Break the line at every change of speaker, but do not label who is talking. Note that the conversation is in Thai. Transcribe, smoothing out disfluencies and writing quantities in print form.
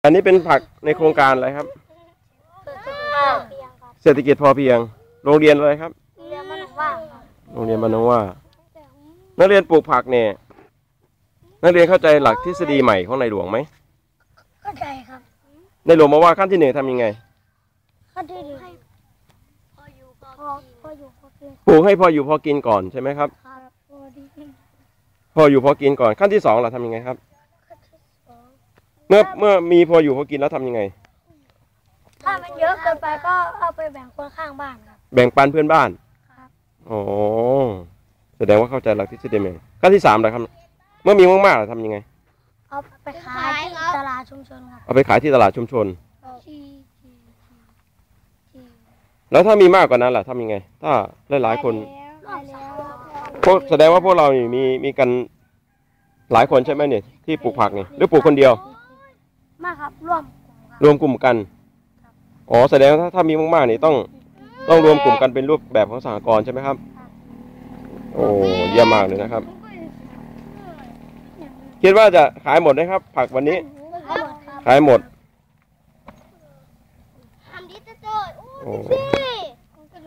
อันนี้เป็นผักในโครงการอะไรครับเศรษฐกิจพอเพียงโรงเรียนอะไรครับโรงเรียนบ้านหนองว่านักเรียนปลูกผักเนี่ยนักเรียนเข้าใจหลักทฤษฎีใหม่ของในหลวงไหม
เข้าใจครับ
ในหลวงบอกว่าขั้นที่หนึ่งทำยังไง
ขั้นที่หนึ่งพออยู่พอกิน
ปลูกให้พออยู่พอกินก่อนใช่ไหมครับพออยู่พอกินก่อนขั้นที่สองเราทำยังไงครับเมื่อมีพออยู่พอกินแล้วทำยังไง
ถ้ามันเยอะเกินไปก็เอาไปแบ่งคนข้างบ้านครับ
แบ่งปันเพื่อนบ้าน
ครับ
อ๋อแสดงว่าเข้าใจหลักทฤษฎีใหม่ขั้นที่สามนะครับเมื่อมีมากๆเราทำยังไง
เอาไปขายที่ตลาดชุมชนครับ
เอาไปขายที่ตลาดชุมชนแล้วถ้ามีมากกว่านั้นล่ะทำยังไงถ้าหลายๆคนพวกแสดงว่าพวกเรานี่มีกันหลายคนใช่ไหมเนี่ยที่ปลูกผักนี่หรือปลูกคนเดียว
มากครับ
รวมกลุ่มกันอ๋อแสดงว่าถ้ามีมากๆนี่ต้องรวมกลุ่มกันเป็นรูปแบบของสหกรณ์ใช่ไหมครับโอ้เยี่ยมมากเลยนะครับคิดว่าจะขายหมดไหมครับผักวันนี้ขายหมดโอ้